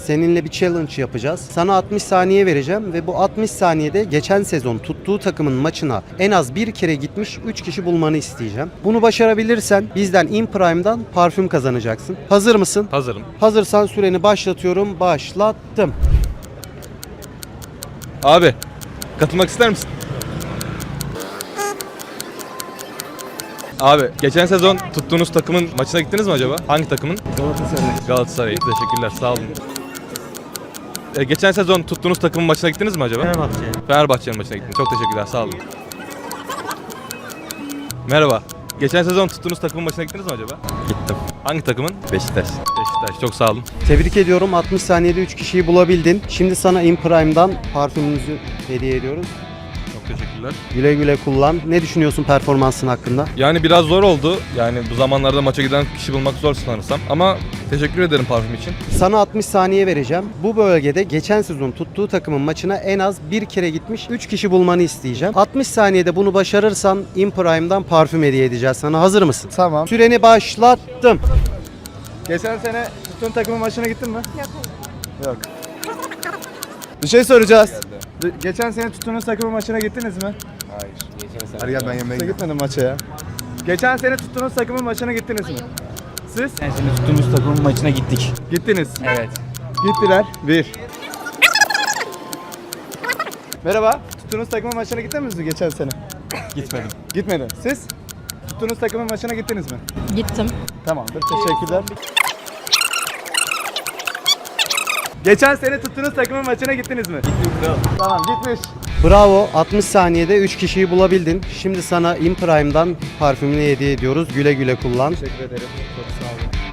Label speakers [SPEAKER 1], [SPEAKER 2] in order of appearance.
[SPEAKER 1] Seninle bir challenge yapacağız. Sana 60 saniye vereceğim ve bu 60 saniyede geçen sezon tuttuğu takımın maçına en az bir kere gitmiş 3 kişi bulmanı isteyeceğim. Bunu başarabilirsen bizden In Prime'dan parfüm kazanacaksın. Hazır mısın?
[SPEAKER 2] Hazırım.
[SPEAKER 1] Hazırsan süreni başlatıyorum. Başlattım.
[SPEAKER 2] Abi, katılmak ister misin? Abi, geçen sezon tuttuğunuz takımın maçına gittiniz mi acaba? Hangi takımın?
[SPEAKER 3] Galatasaray.
[SPEAKER 2] Galatasaray. Teşekkürler, sağ olun. Geçen sezon tuttuğunuz takımın maçına gittiniz mi acaba?
[SPEAKER 3] Fenerbahçe.
[SPEAKER 2] Fenerbahçe'nin maçına gittiniz. Çok teşekkürler, sağ olun. Merhaba. Geçen sezon tuttuğunuz takımın maçına gittiniz mi acaba?
[SPEAKER 4] Gittim.
[SPEAKER 2] Hangi takımın?
[SPEAKER 4] Beşiktaş.
[SPEAKER 2] Beşiktaş. Çok sağ olun.
[SPEAKER 1] Tebrik ediyorum. 60 saniyede 3 kişiyi bulabildin. Şimdi sana In Prime'dan parfümümüzü hediye ediyoruz.
[SPEAKER 2] Çok teşekkürler.
[SPEAKER 1] Güle güle kullan. Ne düşünüyorsun performansın hakkında?
[SPEAKER 2] Yani biraz zor oldu. Yani bu zamanlarda maça giden kişi bulmak zor sanırsam. Ama teşekkür ederim parfüm için.
[SPEAKER 1] Sana 60 saniye vereceğim. Bu bölgede geçen sezon tuttuğu takımın maçına en az bir kere gitmiş 3 kişi bulmanı isteyeceğim. 60 saniyede bunu başarırsan In Prime'dan parfüm hediye edeceğiz sana. Hazır mısın?
[SPEAKER 3] Tamam.
[SPEAKER 1] Süreni başlattım.
[SPEAKER 3] Geçen sene tuttuğun takımın maçına gittin mi? Yok. Bir şey soracağız. Geçen sene tuttuğunuz takımın maçına gittiniz mi?
[SPEAKER 4] Hayır.
[SPEAKER 3] Hadi gel ben yemeğe gitmedim maça ya. Geçen sene tuttuğunuz takımın maçına gittiniz mi? Siz?
[SPEAKER 5] Yani şimdi tuttuğumuz takımın maçına gittik.
[SPEAKER 3] Gittiniz.
[SPEAKER 5] Evet.
[SPEAKER 3] Gittiler. 1. Merhaba. Tuttuğunuz takımın maçına gittiniz mi geçen sene?
[SPEAKER 4] Gitmedim.
[SPEAKER 3] Gitmedi. Siz? Tuttuğunuz takımın maçına gittiniz mi?
[SPEAKER 6] Gittim.
[SPEAKER 3] Tamamdır. Teşekkürler. Geçen sene tuttuğunuz takımın maçına gittiniz mi? Gittim. Tamam gitmiş.
[SPEAKER 1] Bravo. 60 saniyede 3 kişiyi bulabildin. Şimdi sana In Prime'dan parfümünü hediye ediyoruz. Güle güle kullan.
[SPEAKER 3] Teşekkür ederim. Çok sağ olun.